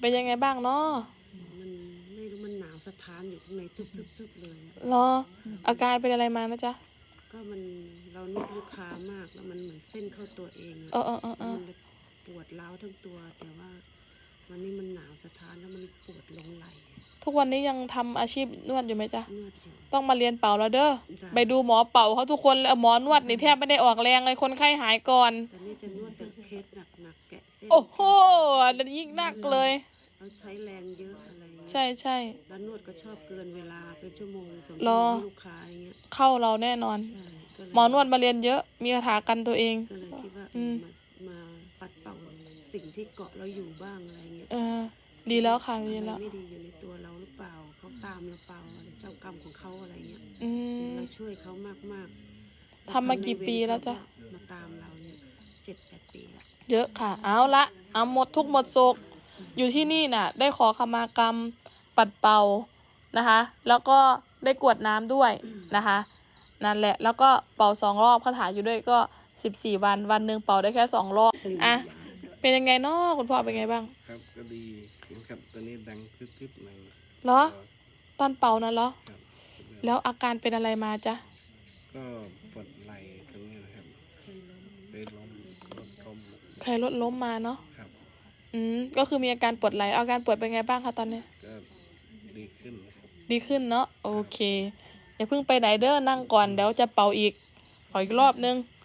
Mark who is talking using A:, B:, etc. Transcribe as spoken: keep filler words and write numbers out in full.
A: เป็นยังไงบ้างเนาะ
B: มันไม่รู้มันหนาวสะท้านอยู่ข้างในทึบๆๆเลย
A: รออาการเป็นอะไรมานะจ๊ะ
B: ก็มันเรานวดลูกค้ามากแล้วมันเหมือนเส้นเข้าตัวเองอะ
A: เออเออเออเออ
B: มันเลยปวดร้าวทั้งตัวแต่ว่าวันนี้มันหนาวสะท้านแล้วมันปวดลงไหล่
A: ทุกวันนี้ยังทำอาชีพนวดอยู่ไหมจ๊ะ
B: นวดอยู่
A: ต้องมาเรียนเป่าแล้วเด้อไปดูหมอเป่าเขาทุกคนเลยหมอนวดนี่แทบไม่ได้ออกแรงเลยคนไข้หายก่อน
B: ตอนนี้จะนวดแต่เคสหนักๆแกะเส้น
A: โอ้โหนั่นยิ่งหนักเลย
B: เราใช้แรงเยอะอะไรเงี้ย
A: ใช่ใช่
B: แล้วนวดก็ชอบเกินเวลาเป็นชั่วโมงสอง
A: รอ
B: ชั่วโมงให้ลูกค้าอย่างเงี้ย
A: เข้าเราแน่นอน
B: ใช่ก็เลย
A: หมอนวดมาเรียนเยอะมีคาถากันตัวเอง
B: ก็เลยคิดว่า
A: อืม
B: มามาปัดเป่าสิ่งที่เกาะเราอยู่บ้างอะไรเงี้ย
A: เออดีแล้วค่ะดี
B: อะไร
A: แล้ว
B: ไม่ดีอยู่ในตัวเราหรือเปล่าเขาตามเราเปล่าอะไรเจ้ากรรมของเขาอะไรเงี้ย
A: อืม
B: เราช่วยเขามากๆ
A: ทำมากี่ปีแล้วจ๊ะ
B: มาตามเราเนี่ยเจ็ดแปดปีละ
A: เยอะค่ะเอาละเอาหมดทุกหมดโศกอยู่ที่นี่น่ะได้ขอขมากรรมปัดเป่านะคะแล้วก็ได้กรวดน้ำด้วยนะคะนั่นแหละแล้วก็เป่าสองรอบคาถาอยู่ด้วยก็สิบสี่วันวันหนึ่งเป่าได้แค่สองรอบอ่ะเป็นยังไงเนาะคุณพ่อเป็นไงบ้าง
C: ครับก็ดีครับตอนนี้ดังคลิปๆหน่อย
A: เหรอตอนเป่านั่นเหรอ
C: ครับ
A: แล้วอาการเป็นอะไรมาจ๊ะ
C: ก็ปวดไหล่ตรงนี้นะครับไปล้มรถล้ม
A: ใครรถล้มมาเนาะ
C: ครับ
A: อืมก็คือมีอาการปวดไหล่อาการปวดเป็นไงบ้างคะตอนนี้
C: ก็ดีขึ้นนะครับ
A: ดีขึ้นเนาะโอเคอย่าเพิ่งไปไหนเด้อนั่งก่อนเดี๋ยวจะเป่าอีกขออีกรอบนึง